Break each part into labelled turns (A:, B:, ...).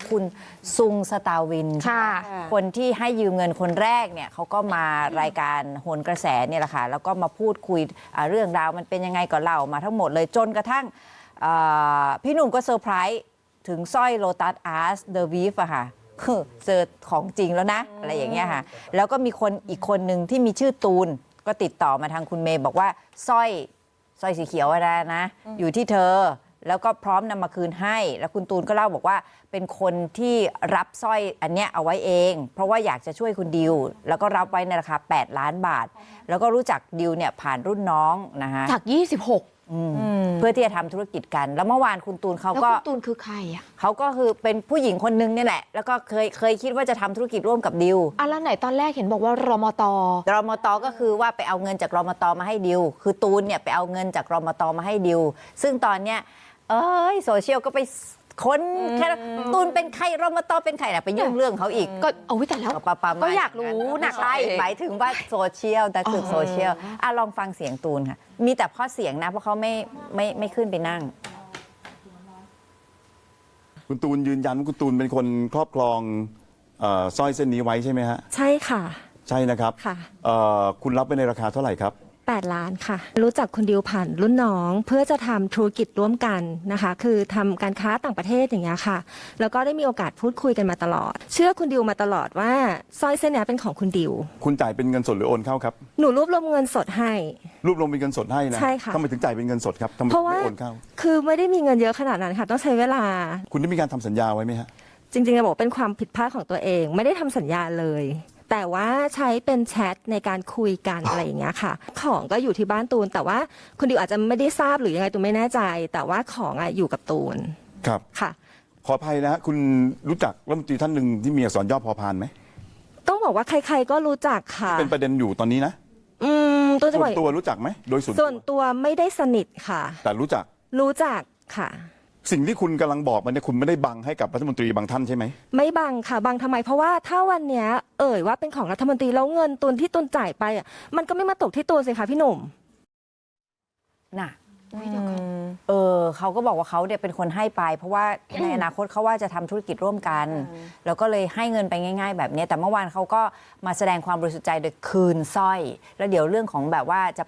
A: คุณซุงสตาวิน
B: ค่ะ
A: คนที่ให้ยืมเงินคนแรกเนี่ยเขาก็มารายการโหนกระแสเนี่ยแหละค่ะแล้วก็มาพูดคุยเรื่องราวมันเป็นยังไงก็เล่ามาทั้งหมดเลยจนกระทั่งพี่หนุ่มก็เซอร์ไพรส์ถึงสร้อยโลตัสอาร์สเดอะวีฟอะค่ะคือเจอของจริงแล้วนะอะไรอย่างเงี้ยค่ะแล้วก็มีคนอีกคนหนึ่งที่มีชื่อตูนก็ติดต่อมาทางคุณเมย์บอกว่าสร้อยสีเขียวอะไรนะอยู่ที่เธอแล้วก็พร้อมนำมาคืนให้แล้วคุณตูนก็เล่าบอกว่าเป็นคนที่รับสร้อยอันเนี้ยเอาไว้เองเพราะว่าอยากจะช่วยคุณดิวแล้วก็รับไว้ในราคา8 ล้านบาทแล้วก็รู้จักดิวเนี่ยผ่านรุ่นน้องนะคะ
B: จาก26
A: เพื่อที่จะทำธุรกิจกันแล้วเมื่อวานคุณตูนเขา
B: แล้ว
A: ก็
B: คุณตูนคือใครอ่ะ
A: เขาก็คือเป็นผู้หญิงคนนึงเนี่ยแหละแล้วก็เคยคิดว่าจะทำธุรกิจร่วมกับดิว
B: แล้วไหนตอนแรกเห็นบอกว่ารมต.
A: รมต.ก็คือว่าไปเอาเงินจากรมต.มาให้ดิวคือตูนเนี่ยไปเอาเงินจากรมต.มาให้ดิวซึ่งตอนเนี้ยโซเชียลก็ไปค้นแค่ตูนเป็นใครรมต.เป็นใครนะไปยุ่งเรื่องเขาอีก
B: ก็เอาแต่แล้วก็อยากรู้หนัก
A: ใช่หมายถึงว่าโซเชียลแต่คือโซเชียลลองฟังเสียงตูนค่ะมีแต่ข้อเสียงนะเพราะเขาไม่ขึ้นไปนั่ง
C: คุณตูนยืนยันว่าคุณตูนเป็นคนครอบครองสร้อยเส้นนี้ไว้ใช่ไหมฮะ
D: ใช่ค่ะ
C: ใช่นะครับ
D: ค่ะ
C: คุณรับไปในราคาเท่าไหร่ครับ
D: 8 ล้านค่ะรู้จักคุณดิวผ่านรุ่นน้องเพื่อจะทำธุรกิจร่วมกันนะคะคือทำการค้าต่างประเทศอย่างเงี้ยค่ะแล้วก็ได้มีโอกาสพูดคุยกันมาตลอดเชื่อคุณดิวมาตลอดว่าสร้อยเส้นนี้เป็นของคุณดิว
C: คุณจ่ายเป็นเงินสดหรือโอนเข้าครับ
D: หนูรวบรวมเงินสดให้
C: รวบรวมเป็นเงินสดให้นะ
D: ใช่ค่ะ
C: ทำไมถึงจ่ายเป็นเงินสดครับทำไมไม่โอนเข้า
D: คือไม่ได้มีเงินเยอะขนาดนั้นค่ะต้องใช้เวลา
C: คุณได้มีการทำสัญญาไว้ไหมฮะ
D: จริงๆจะบอกเป็นความผิดพลาดของตัวเองไม่ได้ทำสัญญาเลยแต่ว่าใช้เป็นแชทในการคุยกันอะไรอย่างเงี้ยค่ะของก็อยู่ที่บ้านตูนแต่ว่าคุณดิวอาจจะไม่ได้ทราบหรือยังไงตูนไม่แน่ใจแต่ว่าของอยู่กับตูน
C: ครับ
D: ค่ะ
C: ขออภัยนะฮะคุณรู้จักรัฐมนตรีท่านหนึ่งที่มีอักษรย่อพอพานไหม
D: ต้องบอกว่าใครๆก็รู้จักค่ะ
C: เป็นประเด็นอยู่ตอนนี้นะ
D: ตัวจะ
C: ส่วนตัวรู้จักไหมโดย
D: ส่วนตัวไม่ได้สนิทค่ะ
C: แต่รู้จัก
D: ค่ะ
C: สิ่งที่คุณกำลังบอกมันเนี่ยคุณไม่ได้บังให้กับรัฐมนตรีบางท่านใช่ไหม
D: ไม่บังค่ะบังทำไมเพราะว่าถ้าวันเนี้ยว่าเป็นของรัฐมนตรีแล้วเงินตุนที่ตุนจ่ายไปมันก็ไม่มาตกที่ตูนสิคะพี่หนุ่ม
A: น่ะเขาก็บอกว่าเขาเนี่ยเป็นคนให้ไปเพราะว่าในอนาคตเขาว่าจะทำธุรกิจร่วมกันแล้วก็เลยให้เงินไปง่ายๆแบบนี้แต่เมื่อวานเขาก็มาแสดงความบริสุทธิ์ใจโดยคืนสร้อยแล้วเดี๋ยวเรื่องของแบบว่าจะ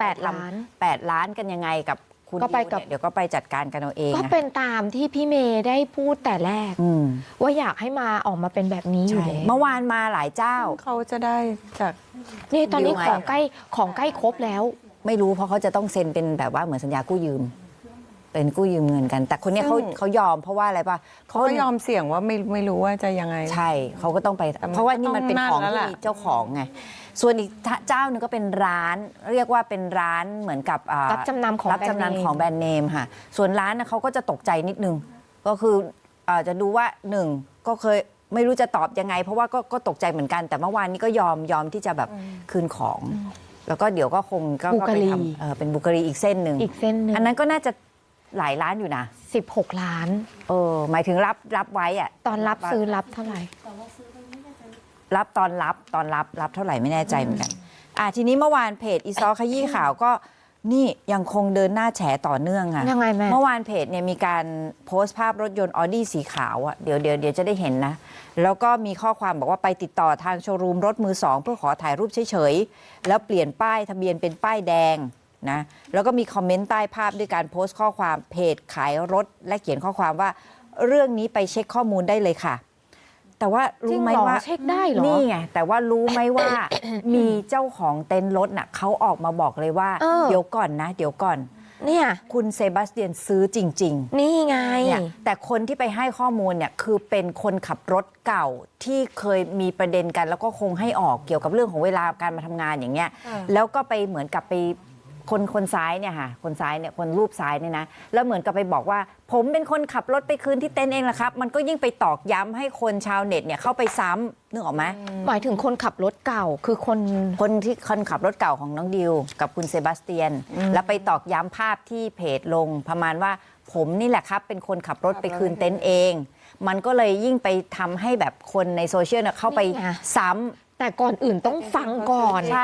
A: 8 ล้านกันยังไงกับคุณ
B: ก็ไปกับ
A: เดี๋ยวก็ไปจัดการกันเอาเอง
B: ก็เป็นตามที่พี่เมย์ได้พูดแต่แรกว่าอยากให้มาออกมาเป็นแบบนี้อยู่
A: เมื่อวานมาหลายเจ้า
E: เขาจะได้จาก
B: นี่ตอนนี้ของใกล้ครบแล้ว
A: ไม่รู้เพราะเขาจะต้องเซ็นเป็นแบบว่าเหมือนสัญญากู้ยืมเป็นกู้ยืมเงินกันแต่คนนี้เขายอมเพราะว่าอะไรป่ะ
E: เขายอมเสี่ยงว่าไม่รู้ว่าจะยังไง
A: ใช่เขาก็ต้องไปเพราะว่านี่มันเป็นของที่มีเจ้าของไงส่วนอีกเจ้าหนึ่งก็เป็นร้านเรียกว่าเป็นร้านเหมือนกับ
B: รับจำนำของแบร
A: นด์เนมค่ะส่วนร้านนะเขาก็จะตกใจนิดนึงก็คือจะดูว่าหนึ่งก็เคยไม่รู้จะตอบยังไงเพราะว่าก็ตกใจเหมือนกันแต่เมื่อวานนี้ก็ยอมที่จะแบบคืนของแล้วก็เดี๋ยวก็คงก็ไปทำเป็นบุกรีอีกเส้นหนึ่งอันนั้นก็น่าจะหลายล้านอยู่นะ
B: 16 ล้าน
A: หมายถึงรับไว้อะ
B: ตอนรับซื้อรับเท่าไหร่
A: รับตอนรับเท่าไหร่ไม่แน่ใจเหมือนกันทีนี้เมื่อวานเพจอีซอขยี้ข่าวก็นี่ยังคงเดินหน้าแฉต่อเนื่องอะ
B: ยังไงแม่
A: เมื่อวานเพจเนี่ยมีการโพสต์ภาพรถยนต์ออดี้สีขาวอะเดี๋ยวจะได้เห็นนะแล้วก็มีข้อความบอกว่าไปติดต่อทางโชว์รูมรถมือสองเพื่อขอถ่ายรูปเฉยๆแล้วเปลี่ยนป้ายทะเบียนเป็นป้ายแดงนะแล้วก็มีคอมเมนต์ใต้ภาพด้วยการโพสต์ข้อความเพจขายรถและเขียนข้อความว่าเรื่องนี้ไปเช็คข้อมูลได้เลยค่ะแต่ว่ารู้ไหมว่า
B: เช็คได้เหรอ
A: นี่ไงแต่ว่ารู้ไหมว่า มีเจ้าของเต็นท์รถน่ะเขาออกมาบอกเลยว่าเดี๋ยวก่อน
B: เนี่ย
A: คุณเซบาสเตียนซื้อจริง
B: ๆนี่ไง
A: แต่คนที่ไปให้ข้อมูลเนี่ยคือเป็นคนขับรถเก่าที่เคยมีประเด็นกันแล้วก็คงให้ออกเกี่ยวกับเรื่องของเวลาการมาทำงานอย่างเงี้ยแล้วก็ไปเหมือนกับไปคนซ้ายเนี่ยค่ะคนซ้ายเนี่ยคนรูปซ้ายเนี่ยนะแล้วเหมือนกับไปบอกว่าผมเป็นคนขับรถไปคืนที่เต็นท์เองแหละครับมันก็ยิ่งไปตอกย้ำให้คนชาวเน็ตเนี่ยเข้าไปซ้ำนึกออกไหม
B: หมายถึงคนขับรถเก่าคือคน
A: ขับรถเก่าของน้องดิวกับคุณเซบาสเตียนแล้วไปตอกย้ำภาพที่เพจลงประมาณว่าผมนี่แหละครับเป็นคนขับรถไปคืนเต็นท์เองมันก็เลยยิ่งไปทำให้แบบคนในโซเชียลเนี่ยเข้าไปซ้ำ
B: แต่ก่อนอื่นต้องฟังก่อน
A: ใช่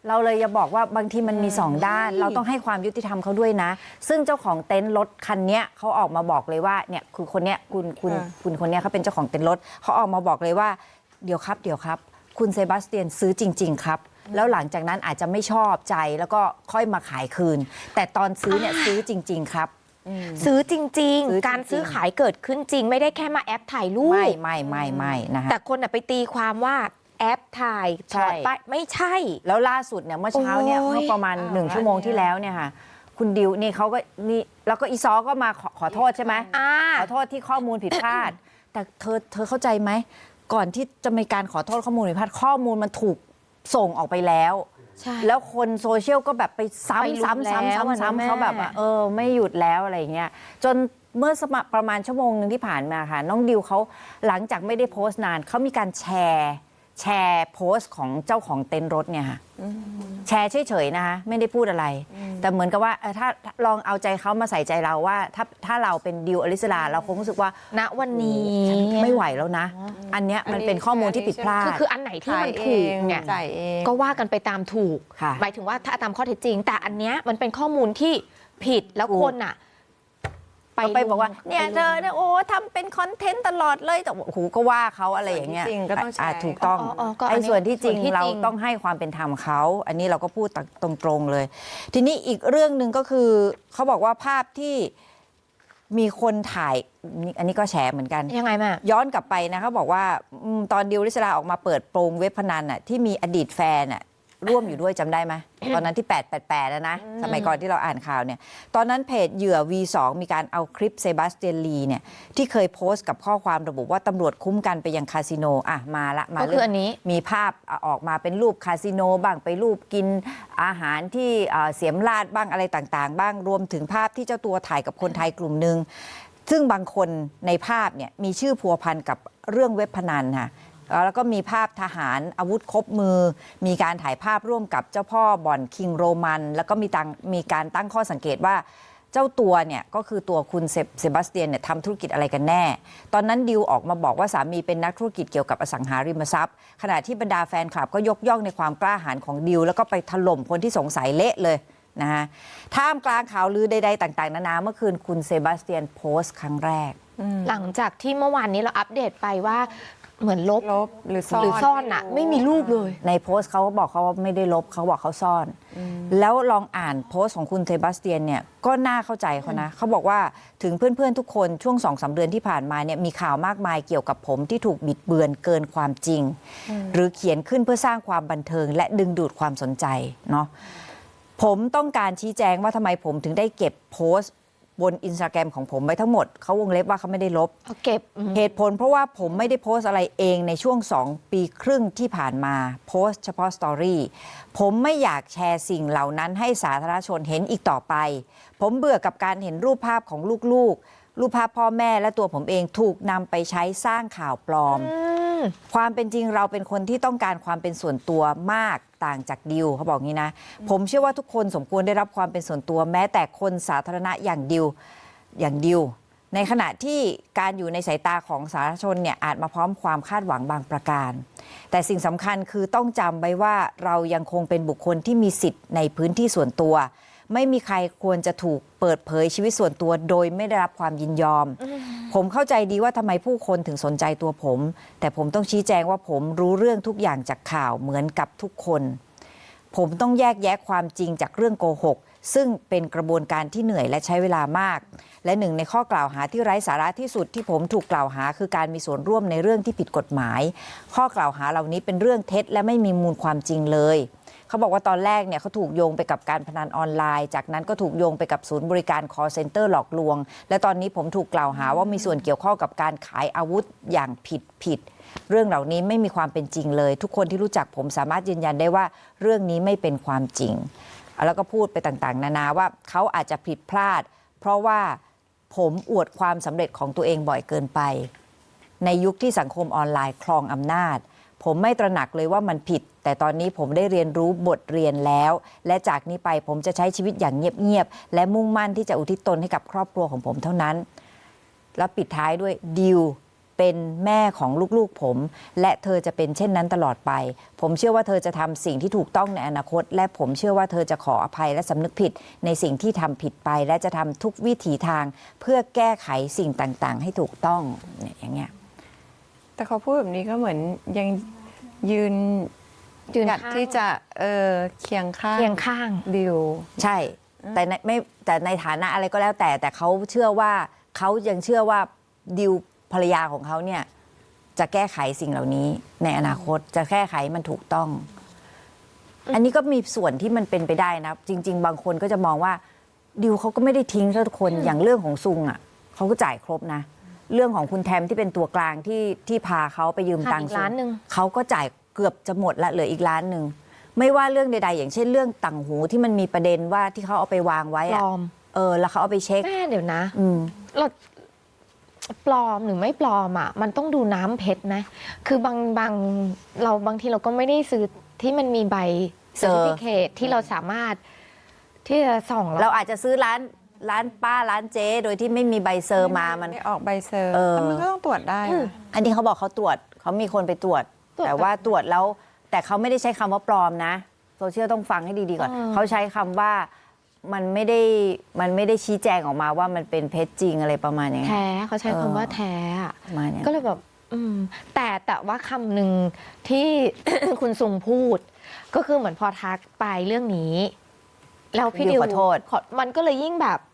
A: เราเลยจะบอกว่าบางทีมันมี2 ด้าน เราต้องให้ความยุติธรรมเขาด้วยนะ ซึ่งเจ้าของเต็นท์รถคันเนี้ยเขาออกมาบอกเลยว่าเนี่ยคือคนเนี้ยคุณคนเนี้ยเขาเป็นเจ้าของเต็นท์รถเขาออกมาบอกเลยว่าเดี๋ยวครับคุณเซบาสเตียนซื้อจริง ๆ ครับ แล้วหลังจากนั้นอาจจะไม่ชอบใจแล้วก็ค่อยมาขายคืน แต่ตอนซื้อเนี่ยซื้อจริง ๆ ครับ
B: ซื้อจริง
A: ซื้อจริง
B: ๆ การซื้อขายเกิดขึ้นจริง ไม่ได้แค่มาแอปถ่ายรูป
A: ไม่นะคะ
B: แต่คนไปตีความว่าแอปถ่ายถ
A: ใช่
B: อดป้ายไม่ใช่
A: แล้วล่าสุดเนี่ยเมื่อเช้าเนี่ย
B: โอ้ย
A: เมื่อประมาณ1 ชั่วโมงที่แล้วเนี่ยค่ะคุณดิวนี่เขาก็นี่แล้วก็อีซอก็มาขอโทษใช่ไหม ขอโทษที่ข้อมูลผิดพลาด แต่เธอเข้าใจไหมก่อนที่จะมีการขอโทษข้อมูลผิดพลาดข้อมูลมันถูกส่งออกไปแล้ว
B: ใช่
A: แล้วคนโซเชียลก็แบบไปซ้
B: ไปลุมแล้วอะนะ
A: ำ
B: แม่
A: เขาแบบว่าไม่หยุดแล้วอะไรอย่างเงี้ยจนเมื่อประมาณชั่วโมงหนึ่งที่ผ่านมาค่ะน้องดิวเขาหลังจากไม่ได้โพสต์นานเขามีการแชร์โพสต์ของเจ้าของเต็นท์รถเนี่ยค่ะแชร์เฉยๆนะคะไม่ได้พูดอะไร แต่เหมือนกับว่าถ้าลองเอาใจเขามาใส่ใจเราว่าถ้าเราเป็นดิวอลิสลาเราคงรู้สึกว่า
B: ณวันนี้
A: ไม่ไหวแล้วนะ อันเนี้ยมันเป็นข้อมูลที่ผิดพลาด
B: คืออันไหนที่มันถูกเนี่ย
E: จ่ายเอง
B: ก็ว่ากันไปตามถูก
A: ค่ะ
B: หมายถึงว่าถ้าตามข้อเท็จจริง แต่อันเนี้ยมันเป็นข้อมูลที่ผิดแล้ว
A: ถูก
B: คนอ่ะ
A: ไปบอกว่าเนี่ยเธอเนี่ยโอ้ทำเป็นคอนเทนต์ตลอดเลยแต่โอ้โหก็ว่าเขาอะไรอย่างเงี้ย
E: ส่วนที่จริงก็ต้องแชร์
A: ถูกต้อง
B: ก็อัน
A: ไอ้
B: นี้
A: ส่วนที่จริง
B: ส่วนที่จริง
A: เราต้องให้ความเป็นธรรมเขาอันนี้เราก็พูดตรงๆเลย ทีนี้อีกเรื่องหนึ่งก็คือเขาบอกว่าภาพที่มีคนถ่ายอันนี้ก็แฉเหมือนกัน
B: ยังไงแม่
A: ย้อนกลับไปนะเขาบอกว่าตอนดิวริศราออกมาเปิดโปงเว็บพนันน่ะที่มีอดีตแฟนน่ะร่วมอยู่ด้วยจำได้ไหม ตอนนั้นที่ 888นะสมัยก่อนที่เราอ่านข่าวเนี่ยตอนนั้นเพจเหยื่อ V2 มีการเอาคลิปเซบาสเตียนลีเนี่ยที่เคยโพสต์กับข้อความระบุว่าตำรวจคุ้มกันไปยังคาสิโนอ่ะมา
B: ก็คืออันนี้
A: มีภาพออกมาเป็นรูปคาสิโนบ้างไปรูปกินอาหารที่เสียมราดบ้างอะไรต่างๆ บ้างรวมถึงภาพที่เจ้าตัวถ่ายกับคนไทยกลุ่มหนึ่งซึ่งบางคนในภาพเนี่ยมีชื่อพัวพันกับเรื่องเว็บพนันค่ะแล้วก็มีภาพทหารอาวุธครบมือ มีการถ่ายภาพร่วมกับเจ้าพ่อบ่อนคิงโรมัน แล้วก็มีการตั้งข้อสังเกตว่าเจ้าตัวเนี่ยก็คือตัวคุณเซบาสเตียนเนี่ยทำธุรกิจอะไรกันแน่ ตอนนั้นดิวออกมาบอกว่าสามีเป็นนักธุรกิจเกี่ยวกับอสังหาริมทรัพย์ ขณะที่บรรดาแฟนคลับก็ยกย่องในความกล้าหาญของดิวแล้วก็ไปถล่มคนที่สงสัยเละเลยนะฮะท่ามกลางข่าวลือใดๆต่างๆนานาเมื่อคืนคุณเซบาสเตียนโพสต์ครั้งแรก
B: หลังจากที่เมื่อวานนี้เราอัปเดตไปว่าเหมือนลบ
E: หรือซ่อน
B: หรือซ่อนอะไม่มีรูปเลย
A: ในโพสต์เขาก็บอกเขาว่าไม่ได้ลบเขาบอกเขาซ่อน แล้วลองอ่านโพสต์ของคุณเซบาสเตียนเนี่ยก็น่าเข้าใจเขานะเขาบอกว่าถึงเพื่อนๆทุกคนช่วง 2-3 เดือนที่ผ่านมาเนี่ยมีข่าวมากมายเกี่ยวกับผมที่ถูกบิดเบือนเกินความจริง หรือเขียนขึ้นเพื่อสร้างความบันเทิงและดึงดูดความสนใจเนาะผมต้องการชี้แจงว่าทำไมผมถึงได้เก็บโพสต์บนอินสตาแกรมของผมไว้ทั้งหมดเขาวงเล็บว่าเขาไม่ได้ลบ
B: เอาเก็บ
A: เหตุผลเพราะว่าผมไม่ได้โพสต์อะไรเองในช่วง2 ปีครึ่งที่ผ่านมาโพสต์เฉพาะสตอรี่ผมไม่อยากแชร์สิ่งเหล่านั้นให้สาธารณชนเห็นอีกต่อไปผมเบื่อกับการเห็นรูปภาพของลูกๆรูปภาพพ่อแม่และตัวผมเองถูกนำไปใช้สร้างข่าวปลอม ความเป็นจริงเราเป็นคนที่ต้องการความเป็นส่วนตัวมากต่างจากดิวเขาบอกงี้นะผมเชื่อว่าทุกคนสมควรได้รับความเป็นส่วนตัวแม้แต่คนสาธารณะอย่างดิวในขณะที่การอยู่ในสายตาของสาธารณชนเนี่ยอาจมาพร้อมความคาดหวังบางประการแต่สิ่งสำคัญคือต้องจำไว้ว่าเรายังคงเป็นบุคคลที่มีสิทธิ์ในพื้นที่ส่วนตัวไม่มีใครควรจะถูกเปิดเผยชีวิตส่วนตัวโดยไม่ได้รับความยินยอมผมเข้าใจดีว่าทำไมผู้คนถึงสนใจตัวผมแต่ผมต้องชี้แจงว่าผมรู้เรื่องทุกอย่างจากข่าวเหมือนกับทุกคนผมต้องแยกแยะความจริงจากเรื่องโกหกซึ่งเป็นกระบวนการที่เหนื่อยและใช้เวลามากและหนึ่งในข้อกล่าวหาที่ไร้สาระที่สุดที่ผมถูกกล่าวหาคือการมีส่วนร่วมในเรื่องที่ผิดกฎหมายข้อกล่าวหาเหล่านี้เป็นเรื่องเท็จและไม่มีมูลความจริงเลยเขาบอกว่าตอนแรกเนี่ยเขาถูกโยงไปกับการพนันออนไลน์จากนั้นก็ถูกโยงไปกับศูนย์บริการ call center หลอกลวงและตอนนี้ผมถูกกล่าวหาว่ามีส่วนเกี่ยวข้องกับการขายอาวุธอย่างผิดเรื่องเหล่านี้ไม่มีความเป็นจริงเลยทุกคนที่รู้จักผมสามารถยืนยันได้ว่าเรื่องนี้ไม่เป็นความจริงแล้วก็พูดไปต่างๆนานาว่าเขาอาจจะผิดพลาดเพราะว่าผมอวดความสำเร็จของตัวเองบ่อยเกินไปในยุคที่สังคมออนไลน์ครองอำนาจผมไม่ตระหนักเลยว่ามันผิดแต่ตอนนี้ผมได้เรียนรู้บทเรียนแล้วและจากนี้ไปผมจะใช้ชีวิตอย่างเงียบๆและมุ่งมั่นที่จะอุทิศตนให้กับครอบครัวของผมเท่านั้นแล้วปิดท้ายด้วยดิวเป็นแม่ของลูกๆผม และเธอจะเป็นเช่นนั้นตลอดไป ผมเชื่อว่าเธอจะทำสิ่งที่ถูกต้องในอนาคต และผมเชื่อว่าเธอจะขออภัยและสำนึกผิดในสิ่งที่ทำผิดไป และจะทำทุกวิถีทางเพื่อแก้ไขสิ่งต่างๆ ให้ถูกต้องเนี่ยอย่างเงี้ย
E: แต่เขาพูดแบบนี้ก็เหมือนยังยืน
B: ยืน
E: หยัด
B: ข้าง
E: ที่จะเคียงข้าง
B: เคียงข้าง
E: ดิว
A: ใช่แต่ในฐานะอะไรก็แล้วแต่เขาเชื่อว่าเขายังเชื่อว่าดิวภรรยาของเขาเนี่ยจะแก้ไขสิ่งเหล่านี้ในอนาคตจะแก้ไขมันถูกต้อง อันนี้ก็มีส่วนที่มันเป็นไปได้นะจริง ๆ บางคนก็จะมองว่าดิวเขาก็ไม่ได้ทิ้งทุกคนอย่างเรื่องของซุงอ่ะเขาก็จ่ายครบนะ เรื่องของคุณแทมที่เป็นตัวกลางที่พาเขาไปยืมตังค์
B: ขาดอีกล้านหนึ่ง
A: เขาก็จ่ายเกือบจะหมดละเหลืออีกล้านหนึ่งไม่ว่าเรื่องใดๆอย่างเช่นเรื่องต่างหูที่มันมีประเด็นว่าที่เขาเอาไปวางไว้
B: ปล
A: อะ
B: อม
A: แล้วเขาเอาไปเช็ค
B: แม่เดี๋ยวนะ
A: อืม
B: เราปลอมหรือไม่ปลอมอ่ะมันต้องดูน้ำเพชรนะคือบางทีเราก็ไม่ได้ซื้อที่มันมีใบ
A: เซอร์
B: certificate ที่เราสามารถที่จะส่อง
A: เราอาจจะซื้อร้านป้าร้านเจ๊โดยที่ไม่มีใบเซอร์มามัน
E: ได้ออกใบเซอร์
A: เออ
E: แต่มันก็ต้องตรวจได้นะ
A: อันนี้เขาบอกเขาตรวจเขามีคนไปตรวจ แต่ว่าตรวจแล้วแต่เขาไม่ได้ใช้คำว่าปลอมนะโซเชียลต้องฟังให้ดีๆก่อนเขาใช้คำว่ามันไม่ได้ชี้แจงออกมาว่ามันเป็นเพชรจริงอะไรประมาณอย่างนี้
B: แท้เขาใช้คำว่าแท้อะ
A: ประมาณเนี้ย
B: ก็เลยแบบแต่ว่าคำหนึ่งที่ คุณซุงพูด ก็คือเหมือนพอทักไปเรื่องนี้แล้วพี่ดิว
A: ขอโทษ
B: มันก็เลยยิ่งแบบ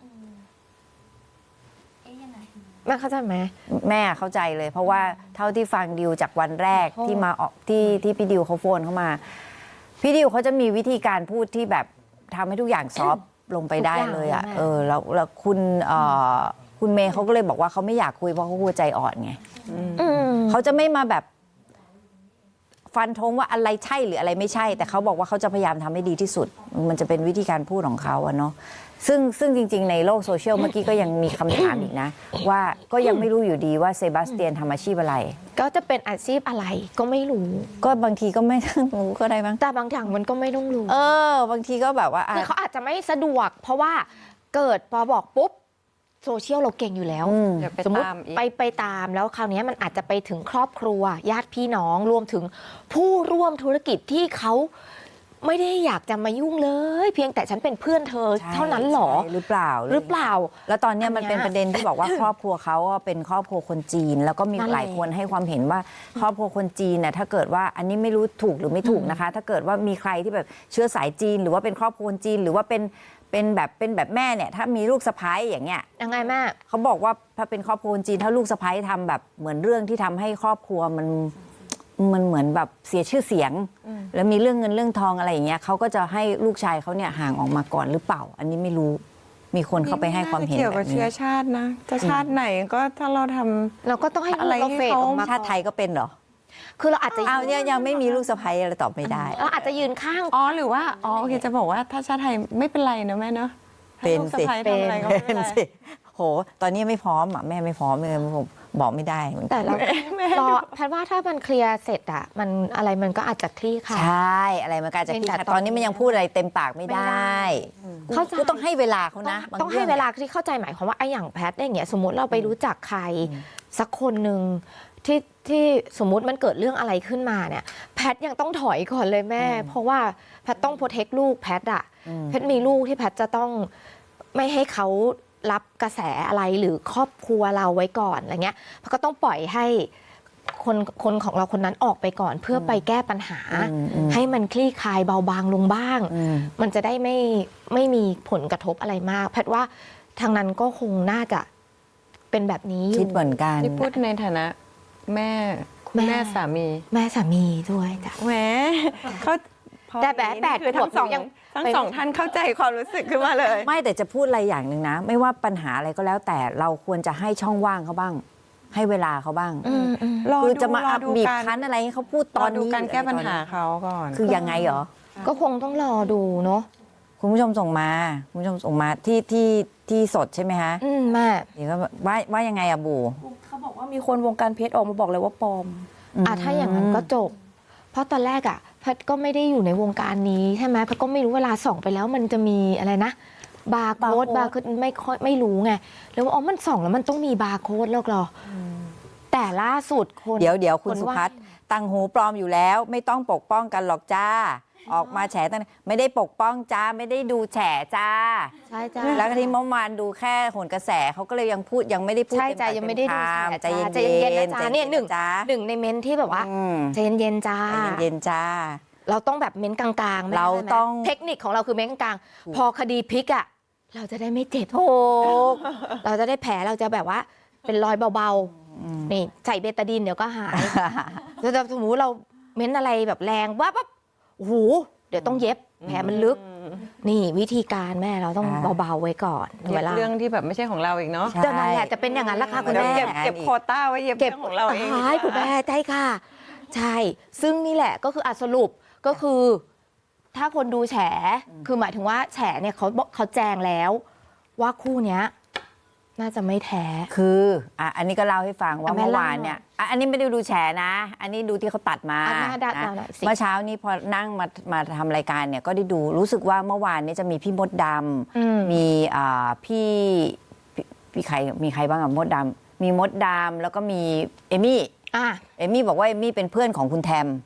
B: แม่เข้าใจไหม
A: แม่เข้าใจเลย เพราะว่าเท่าที่ฟังดิวจากวันแรก
B: ขอโทษ
A: ที่มาออกที่พี่ดิวเขาโฟนเข้ามา พี่ดิวเขาจะมีวิธีการพูดที่แบบทำให้ทุกอย่างซอฟต์ลงไปได้เลยอ่ะแล้วคุณเมย์เขาก็เลยบอกว่าเขาไม่อยากคุยเพราะเขากลัวใจอ่อนไง เขาจะไม่มาแบบฟันธงว่าอะไรใช่หรืออะไรไม่ใช่ แต่เขาบอกว่าเขาจะพยายามทำให้ดีที่สุด มันจะเป็นวิธีการพูดของเขาอะเนาะซึ่งจริง ๆ ในโลกโซเชียลเมื่อกี้ก็ยังมีคำถามอีกนะ ว่าก็ยังไม่รู้อยู่ดีว่าเซบาสเตียนทำอาชีพอะไร
B: ก็จะเป็นอาชีพอะไรก็ไม่รู้
A: ก็บางทีก็ไม่ต้องรู้ก็ได้บ้าง
B: แต่บางอย่างมันก็ไม่ต้องรู้
A: บางทีก็แบบว่า
B: คือเขาอาจจะไม่สะดวก เพราะว่าเกิดพอบอกปุ๊บโซเชียลเราเก่งอยู่แล้ว
E: เดี๋ยวไป
B: สมมติ
E: ตามอีก
B: ไปตามแล้วคราวนี้มันอาจจะไปถึงครอบครัว ญาติพี่น้องรวมถึงผู้ร่วมธุรกิจที่เขาไม่ได้อยากจะมายุ่งเลย เพียงแต่ฉันเป็นเพื่อนเธอ
A: ใช่
B: เท่านั้นหรอ
A: ใช่หรือเปล่า
B: หรือเปล่า
A: แล้วตอนเนี้ยมันเป็น
B: อันเนี้ย
A: ประเด็นที่บอกว่า ครอบครัวเขาอะเป็นครอบครัวคนจีน แล้วก็มี
B: นั่นแหละ
A: หลายคนให้ความเห็นว่าครอบครัวคนจีนน่ะถ้าเกิดว่าอันนี้ไม่รู้ถูกหรือไม่ถูกนะคะ ถ้าเกิดว่ามีใครที่แบบเชื้อสายจีน หรือว่าเป็นครอบครัวคนจีน หรือว่าเป็นแบบแม่เนี่ยถ้ามีลูกสะใภ้อย่างเงี้ย
B: ยังไงแม่
A: เขาบอกว่าถ้าเป็นครอบครัวคนจีน ถ้าลูกสะใภ้ทำแบบเหมือนเรื่องที่ทำให้ครอบครัวมันเหมือนแบบเสียชื่อเสียง แล้วมีเรื่องเงินเรื่องทองอะไรอย่างเงี้ยเขาก็จะให้ลูกชายเขาเนี่ยห่างออกมาก่อนหรือเปล่า อันนี้ไม่รู้มีคนเข้าไปให้ความเห็น
E: เกี่ยว
A: แบ
E: กับบ
A: นี้
E: เชื้อชาตินะ จะชาติไหนก็ถ้าเราทำ
B: เราก็ต้องให้ลูก
E: อะไร
B: เราเฟด
E: ให้เขา
B: ออกมา
A: ชาติไทยก็เป็นเหรอ
B: คือเราอาจจะ
A: อ้าวเนี่ยยังไม่มีลูกสะใภ้อะไรตอบไม่ได้
B: เราอาจจะยืนข้าง
E: อ๋อหรือว่าโอเคจะบอกว่าถ้าชาติไทยไม่เป็นไรนะแม่เนาะถ้า
A: เป็น
E: ลูก
A: สิ
E: สะใภ้ทำอะไรก็ไม่เป็นไร
A: สิโหตอนนี้ไม่พร้อมอ่ะแม่ไม่พร้อมเลยผมบอกไม่ได้เหมือนกัน
B: แต่เรารอแพทย์ว่าถ้ามันเคลียร์เสร็จอะมันอะไรมันก็อาจจะคลี่คลาย
A: ใช่อะไรมันก็อาจจะ
B: เพี
A: คิ
B: ย
A: ด
B: งแต่
A: ตอนนี้มันยังพูดอะไรเต็มปากไม่ได้
B: เข้าใจ
A: ก็ต้องให้เวลาเขานะบ
B: ต้องให้
A: รื่อง
B: เวลาที่เข้าใจหมายความว่าไอ้อย่างแพทย์อย่างเงี้ยสมมติเราไปรู้จักใครสักคนหนึ่งที่สมมุติมันเกิดเรื่องอะไรขึ้นมาเนี่ยแพทย์ยังต้องถอยก่อนเลยแม่ เพราะว่าแพทย์ต้องโปรเทคลูกแพทย์อะแพทย์มีลูกที่แพทย์จะต้องไม่ให้เขารับกระแสอะไรหรือครอบครัวเราไว้ก่อนอะไรเงี้ยแพทย์ก็ต้องปล่อยให้คนของเราคนนั้นออกไปก่อนเพื่อไปแก้ปัญหา ให้มันคลี่คลายเบาบางลงบ้าง มันจะได้ไม่มีผลกระทบอะไรมาก แพทย์ว่าทางนั้นก็คงน่าจะเป็นแบบนี้อ
A: คิ
B: ยู่
A: ดเหมือนกัน
E: นี่พูดในฐานะแม่คุณแม่สามี
B: แม่สามีด้วยจ้ะ
E: แหมเขาพอ
B: แต่แบบ
E: นี้
B: แปด
E: คือ
B: ขวบ
E: ทั้งสอง
B: ยัง
E: ทั้งสองท่านเข้าใจความรู้สึกขึ้นมาเลย
A: ไม่แต่จะพูดอะไรอย่างหนึ่งนะ ไม่ว่าปัญหาอะไรก็แล้ว แต่เราควรจะให้ช่องว่างเขาบ้าง ให้เวลาเขาบ้าง
E: รอ
A: คือ
E: ดู
A: จะมา
E: รอ
A: อัพ
E: ดู
A: บีบ
E: การ
A: คั้นอะไรให้เขาพูดต
E: ต
A: อ
E: อน นดู
A: นี้
E: การแก้ปัญหา
A: หรือ
E: เขาก่อน
A: คือยังไงเหรอ
B: ก็คงต้องรอดูเนาะ
A: คุณผู้ชมส่งมาคุณผู้ชมส่งมาที่สดใช่ไหมคะ
B: แม่
A: เดี๋ยวก็ว่ายังไงอะบู
F: เขาบอกว่ามีคนวงการเพชรออกมาบอกเลยว่าปลอม
B: ถ้าอย่างนั้นก็จบ เพราะตอนแรกอะแพทย์ก็ไม่ได้อยู่ในวงการนี้ใช่ไหมแพทย์ก็ไม่รู้เวลาส่องไปแล้วมันจะมีอะไรนะ บาร์โค้ดไม่รู้ไงแล้วว่าอ๋อมันส่องแล้วมันต้องมีบาร์โค้ดแล้วเหรอ แต่แต่ล่าสุดคน
A: เดี๋ยวคุณ
B: น
A: สุ
B: ว่า
A: พัฒน์ตังหูปลอมอยู่แล้ว ไม่ต้องปกป้องกันหรอกจ้า ออกมาแฉตั้งไม่ได้ปกป้องจ้าไม่ได้ดูแฉจ้า
B: ใช่จ้า
A: แล้วก็ที่เมื่อวานดูแค่โหนกระแสเขาก็เลยยังไม่ได้พูด
B: ใช่
A: เต็ม
B: จ้า
A: ปาก
B: ยังไม่ได้ดู
A: เต็มคำใจ
B: ใจ
A: เย็
B: เย็น
A: น
B: ๆนะ
A: ใจ
B: จ้า
A: เย็
B: เนี่ยหนึ่ง
A: จ้า
B: หนึ่งในเม้นที่แบบว่า
A: อืม
B: ใจเย็นๆจ้า
A: ใจเย็นๆจ้า
B: เราต้องแบบเม้นกลางๆไม่ได้
A: เรา
B: ไหม
A: ต้อง
B: เทคนิคของเราคือเม้นกลางๆพอคดีพลิกอ่ะเราจะได้ไม่เจ็บ
A: ถูก
B: เราจะได้แผลเราจะแบบว่าเป็นรอยเบาๆนี่ใส่เบตาดินเดี๋ยวก็หายแล้วสมมติเราเม้นอะไรแบบแรงว่าปั๊บโอ้โหเดี๋ยวต้องเย็บแผลมันลึก นี่วิธีการแม่เราต้อง
A: อ่า
B: เบาๆไว้ก่อน
E: เย็
B: เว
E: บ
B: ลา
E: เรื่องที่แบบไม่ใช่ของเราอีกเนาะ
A: ใช่
B: จะนั่นแหละจะเป็นอย่างนั้นละค่ะคุณ
E: เดี๋ยว
B: แม่
E: เก็บโควต้าไว้เย็บเรื่องของเราเอง
B: ใช่คุณแม่ใช่ค่ะ ใช่ ซึ่งนี่แหละก็คือสรุปก็คือ ถ้าคนดูแฉคือหมายถึงว่าแฉเนี่ยเขาแจงแล้ว ว่าคู่เนี้ยน่าจะไม่แท้
A: คืออันนี้ก็เล่าให้ฟังว่า
B: แม่
A: เมื่อ
B: เล่า
A: วานเนี่ยอันนี้ไม่ได้ดูแฉนะ อันนี้ดูที่เขาตัดมา
B: อ่ะแม่ดัด
A: นะ
B: เอาหน่อยสิ
A: เมื่อเช้านี้พอนั่งมาทำรายการเนี่ยก็ได้ดูรู้สึกว่าเมื่อวานนี้จะมีพี่มดด
B: อืม
A: ำมีพี่ใครมีใครบ้างอะมดดำมีมดดำแล้วก็มีเอมี่
B: อ่ะ
A: เอมี่บอกว่าเอมี่เป็นเพื่อนของคุณแทม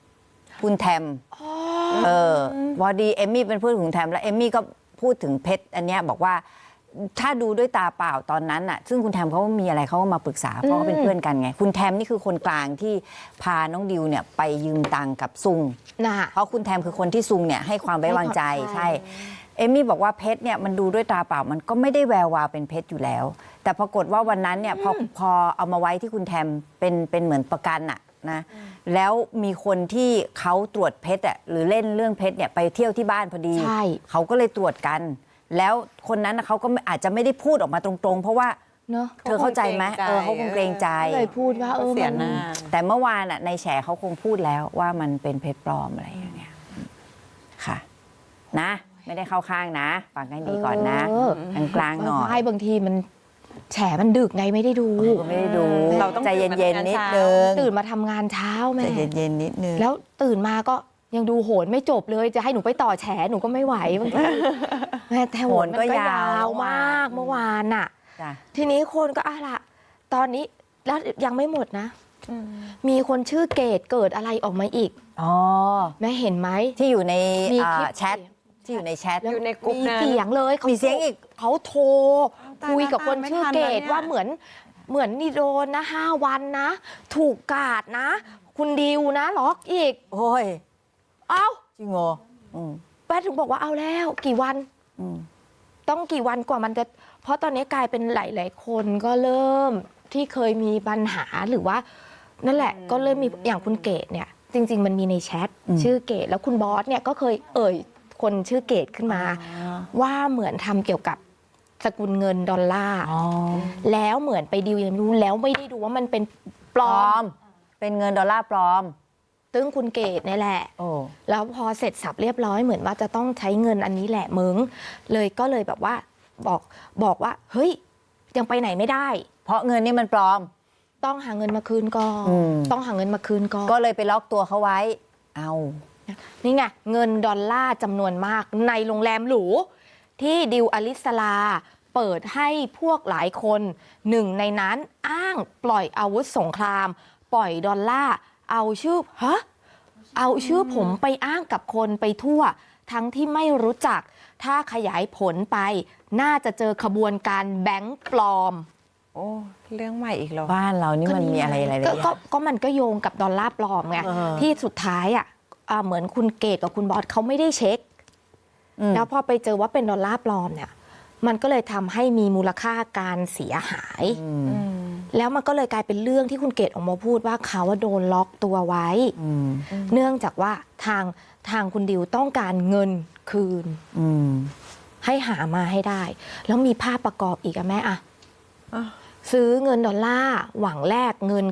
A: พอดีเอมี่เป็นเพื่อนของคุณแทมแล้วเอมี่ก็พูดถึงเพชรอันเนี้ยบอกว่าถ้าดูด้วยตาเปล่าตอนนั้นน่ะซึ่งคุณแทมเขามีอะไรเขาก็มาปรึกษาเพราะเขาเป็นเพื่อนกันไงคุณแทมนี่คือคนกลางที่พาน้องดิวเนี่ยไปยืมตังค์กับซุง
B: น่ะ
A: เพราะคุณแทมคือคนที่ซุงเนี่ยให้ความไว้วางใจ
B: ให้ความ
A: ใช่เอมมี่บอกว่าเพชรเนี่ยมันดูด้วยตาเปล่ามันก็ไม่ได้แวววาวเป็นเพชรอยู่แล้ว แต่ปรากฏว่าวันนั้นเนี่ยพอเอามาไว้ที่คุณแทมเป็นเหมือนประกันอะนะแล้วมีคนที่เขาตรวจเพชรอะหรือเล่นเรื่องเพชรเนี่ยไปเที่ยวที่บ้านพอดี
B: ใช่
A: เขาก็เลยตรวจกัน แล้วคนนั้นน่ะเขาก็อาจจะไม่ได้พูดออกมาตรงๆ เพราะว่า
B: เนอะ
A: เธอเข้าใจไหมเขาคงเกรงใจ
B: ก็เลยพูดว่า
E: เสีย
B: มัน
E: หน้า
A: แต่เมื่อวานอ่ะในแฉเขาคงพูดแล้วว่ามันเป็นเพชรปลอมอะไรอย่างเงี้ยค่ะ นะ ไม่ได้เข้าข้างนะฟังให้ดีก่อนนะกลางๆหน่อย
B: ใช่บางทีมันแฉมันดึกไงไม่ได้ดู
A: ก็ไม่ได้ดู
E: เราต้อง
A: ใจเย็นๆนิดนึง
B: ตื่นมาทำงานเช้าแม่
A: ใจเย็นๆนิดนึง
B: แล้วตื่นมาก็ยังดูโหนไม่จบเลยจะให้หนูไปต่อแฉหนูก็ไม่ไหวบางทีแม่แต่โหนมันก็ยาวมากเมื่อวานน่ะ
A: จ้ะ
B: ทีนี้คนก็ละตอนนี้แล้วยังไม่หมดนะ มีคนชื่อเกดเกิดอะไรออกมาอีก
A: อ๋อ
B: แม่เห็นไหม
A: ที่อยู่ใน
B: มีคลิป
A: แชทที่อยู่ในแชท
E: อยู่ในกลุ่ม
B: มี
E: นั้น
B: เสียงเลย
A: มีเสียงอีก
B: เขาโทร
E: ตาย
B: คุยกับคนชื่อเกด
E: ไม่ทันแล้วเนี่ย
B: ว่าเหมือนนี่โดนนะ5 วันนะ ถูกกาดนะ คุณดิวนะล็อกอีก
A: โอ้ย
B: เอ้า
A: จริงเหรออืม
B: แป้ถึงบอกว่าเอาแล้วกี่วัน
A: อืม
B: ต้องกี่วันกว่ามันจะ เพราะตอนนี้กลายเป็นหลาย ๆ คนก็เริ่มที่เคยมีปัญหาหรือว่า นั่นแหละก็เริ่มมีอย่างคุณเกดเนี่ย จริง ๆ มันมีในแชทชื่อเกดแล้วคุณบอสเนี่ยก็เคยคนชื่อเกดขึ้นมา ว่าเหมือนทำเกี่ยวกับสกุลเงินดอลลาร์
A: อ๋อ
B: แล้วเหมือนไปดิวยังไม่รู้แล้วไม่ได้ดูว่ามันเป็นป
A: ป
B: ล
A: ล
B: อ
A: อ
B: ม
A: ม เป็นเงินดอลลาร์ปลอม
B: ซึ่งคุณเกดนี่แหละ
A: โอ้
B: แล้วพอเสร็จสับเรียบร้อยเหมือนว่าจะต้องใช้เงินอันนี้แหละมึงก็เลยแบบว่าบอกว่าเฮ้ยยังไปไหนไม่ได้
A: เพราะเงินนี่มันปลอม
B: ต้องหาเงินมาคืนก่อน
A: อืม
B: ต้องหาเงินมาคืนก่อน
A: ก็เลยไปล็อกตัวเขาไว้ เอา
B: นี่ไงเงินดอลลาร์จำนวนมากในโรงแรมหรูที่ดิวอลิสลาเปิดให้พวกหลายคนหนึ่งในนั้นอ้างปล่อยอาวุธสงคราม ปล่อยดอลลาร์เอาชื่อผมไปอ้างกับคนไปทั่ว ทั้งที่ไม่รู้จักถ้าขยายผลไป น่าจะเจอขบวนการแบงก์ปลอม
E: โอ้เรื่องใหม่อีกเหรอ
A: บ้านเรานี่มันมีอะไรหลายๆอย่าง
B: ก็มันก็โยงกับดอลลาร์ปลอมไง
A: เออ
B: ที่สุดท้ายเหมือนคุณเกดกับคุณบอสเขาไม่ได้เช็ค แล้วพอไปเจอว่าเป็นดอลลาร์ปลอมเนี่ย มันก็เลยทำให้มีมูลค่าการเสียหาย แล้วมันก็เลยกลายเป็นเรื่องที่คุณเกดออกมาพูดว่าเขาว่าโดนล็อกตัวไว้ เนื่องจากว่าทางคุณดิวต้องการเงินคืน ให้หามาให้ได้ แล้วมีภาพประกอบอีกอะแม่อะ ซื้อเงินดอลลาร์หวังแลกเงิน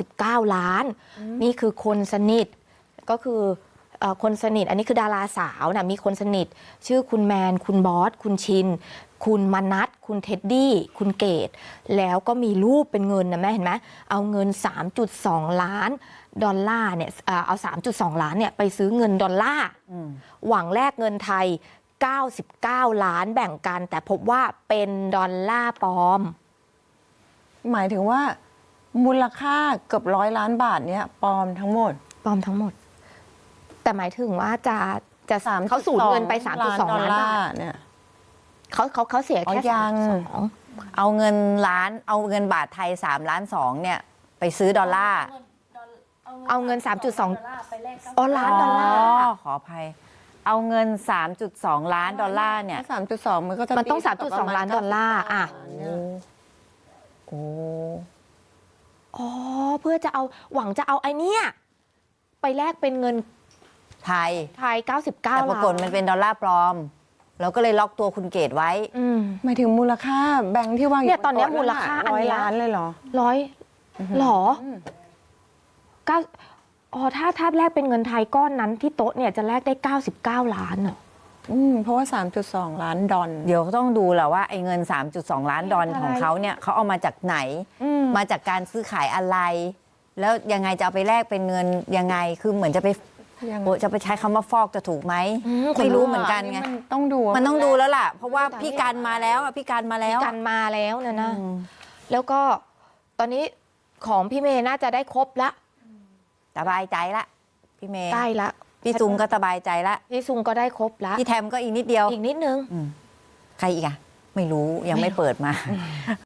B: 99 ล้าน นี่คือคนสนิทก็คือคนสนิทอันนี้คือดาราสาวนะมีคนสนิทชื่อคุณแมนคุณบอสคุณชิน คุณมนัทคุณเท็ดดี้คุณเกดแล้วก็มีรูปเป็นเงินนะแม่เห็นไหมเอาเงิน 3.2 ล้านดอลลาร์เนี่ยเอา 3.2 ล้านเนี่ยไปซื้อเงินดอลลาร์หวังแลกเงินไทย 99 ล้านแบ่งกัน แต่พบว่าเป็นดอลลาร์ปลอม
E: หมายถึงว่ามูลค่าเกือบ100 ล้านบาทเนี่ยปลอมทั้งหมด
B: ปลอมทั้งหมด แต่หมายถึงว่าจะ
E: 3.2
B: เขาสูญเงินไป 3.2 ล้านบาท
E: เนี่ย
B: เขาเสีย
E: อ๋อ
B: แค่
E: ยัง
B: 3.2
A: เอาเงินล้านเอาเงินบาทไทย3 ล้าน 2เนี่ยไปซื้อดอลลาร์
B: เอาเงิน 3.2 อ๋อล้านดอลลาร์
A: ขออภัย เอาเงิน 3.2 ล้านดอลลาร์เนี่ย
E: 3.2 มันก็จะ
B: มันต้อง
E: ตีกับประ
B: 3.2 ล้านดอลลาร์อ่ะ
E: เนี่ย
A: โอ้
B: อ๋อเพื่อจะเอาหวังจะเอาไอเนี้ยไปแลกเป็นเงิน
A: ไทย
B: ไทย 99
A: แต่
B: ล้าน
A: ปรากฏมันเป็นดอลลาร์ปลอม เราก็เลยล็อกตัวคุณเกดไว้
B: อืม
E: หมายถึงมูลค่าแบงค์ที่วางอยู่
B: เนี่ยตอนเนี้ย
E: บ
B: มูลค่าอัน
E: ร้อย
B: เนี้ย
E: ล้านเลยเหรอ
B: ร้อยหรอเก้าอ๋อถ้าแลกเป็นเงินไทยก้อนนั้นที่โต๊ะเนี่ยจะแลกได้ 99 ล้านอ่ะ
E: เพราะว่า 3.2 ล้านดอล
A: เดี๋ยวต้องดูแหละว่าไอ้เงิน 3.2 ล้านดอลของเขาเนี่ยเขาเอามาจากไหน มาจากการซื้อขายอะไร แล้วยังไงจะเอาไปแลกเป็นเงินยังไง คือเหมือนจะไป
E: ยัง
A: โอ้จะไปใช้คำว่าฟอกจะถูกไหม
B: อืม
A: ไม่รู้เหมือนกันไง
E: มันต้องดูว่า
A: มันต้องดูแล้วล่ะ เพราะว่าพี่การมาแล้วอะพี่การมาแล้ว
B: กันมาแล้วนะ
A: อืม
B: แล้วก็ตอนนี้ของพี่เมย์น่าจะได้ครบละ
A: สบายใจละพี่เมย์
B: ใกล้ละ
A: พี่ซุงก็สบายใจละ
B: พี่ซุงก็ได้ครบละ
A: พี่แทมก็อีกนิดเดียว
B: อีกนิดนึง
A: ใครอีกอะไม่รู้ยังไม่เปิดมา